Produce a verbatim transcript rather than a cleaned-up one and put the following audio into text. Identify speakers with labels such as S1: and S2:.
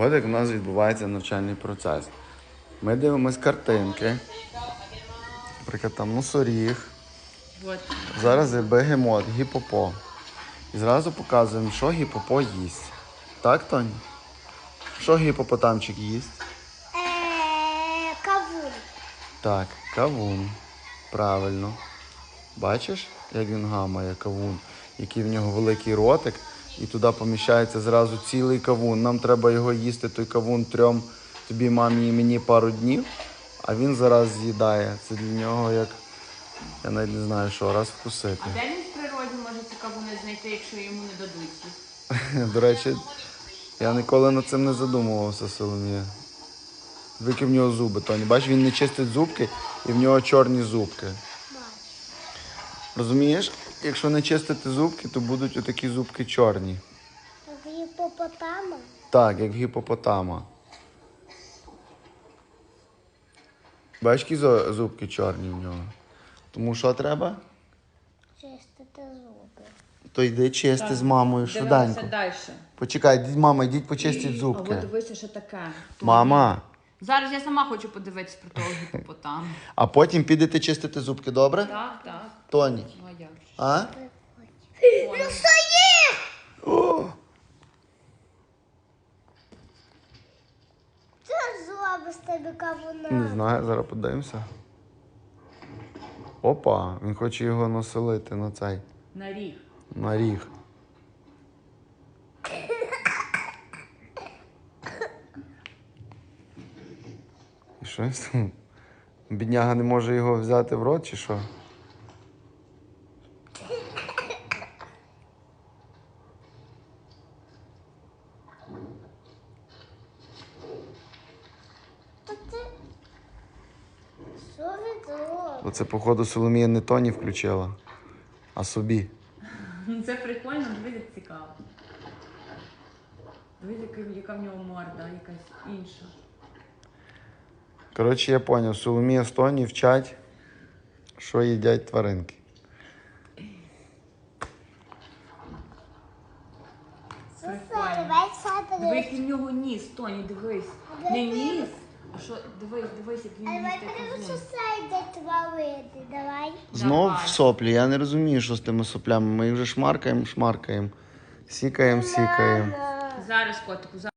S1: От як у нас відбувається навчальний процес. Ми дивимось картинки. Наприклад, там носоріг.
S2: Вот.
S1: Зараз є бегемот, гіпопо. І зразу показуємо, що гіпопо їсть. Так, Тоні? Що гіпопотамчик їсть?
S3: Е, Кавун.
S1: Так, кавун. Правильно. Бачиш, як він гамає кавун? Який в нього великий ротик. І туди поміщається зразу цілий кавун. Нам треба його їсти, той кавун трьом, тобі, мамі і мені пару днів. А він зараз з'їдає. Це для нього як, я навіть не знаю що, раз вкусити.
S2: А де він в природі може ці кавуни знайти, якщо йому не дадуть їх?
S1: До речі, я ніколи над цим не задумувався, Соломія. Вики в нього зуби, Тоні. Бачиш, він не чистить зубки і в нього чорні зубки. Розумієш? Якщо не чистити зубки, то будуть отакі зубки чорні.
S3: Як гіпопотама.
S1: Так, як в гіпопотама. Бачиш, які зо- зубки чорні в нього? Тому що треба?
S3: Чистити зуби.
S1: То йди чисти з мамою швиденько.
S2: Дивимося далі.
S1: Почекай, йдіть, мама, йдіть почистіть
S2: А от
S1: зубки.
S2: дивися, що таке.
S1: Мама,
S2: Зараз я сама хочу подивитись про того гіпопотама.
S1: а потім підете чистити зубки, добре?
S2: Так, так.
S1: Тоні.
S2: Ну а як же?
S1: А?
S2: Ой.
S1: О!
S3: Що зуби з тебе кавуна?
S1: Не знаю, зараз подивимося. Опа, він хоче його населити на цей,
S2: На ріг.
S1: на ріг. І що там? Бідняга не може його взяти в рот, чи що?
S3: Що ви зробили?
S1: Оце, походу, Соломія не Тоні включила, а собі.
S2: Ну, це прикольно, дивись, як цікаво. Дивись, яка- яка в нього морда, якась інша.
S1: Коротше, я зрозумів, Соломія з Тоні вчать, що їдять тваринки.
S2: Прикольно.
S3: Давай садити.
S2: Дивись, який в нього ніс, Тоні, дивись. Не ніс, а що, дивись, дивись, як він
S3: Давай
S2: їсть
S3: подивимося,
S2: кавун.
S3: що садять тварини. Давай.
S1: Знов
S2: Давай.
S1: в соплі, я не розумію, що з тими соплями. Ми їх вже шмаркаємо, шмаркаємо. Сікаємо, сікаємо.
S3: Мама.
S2: Зараз, котику, зараз.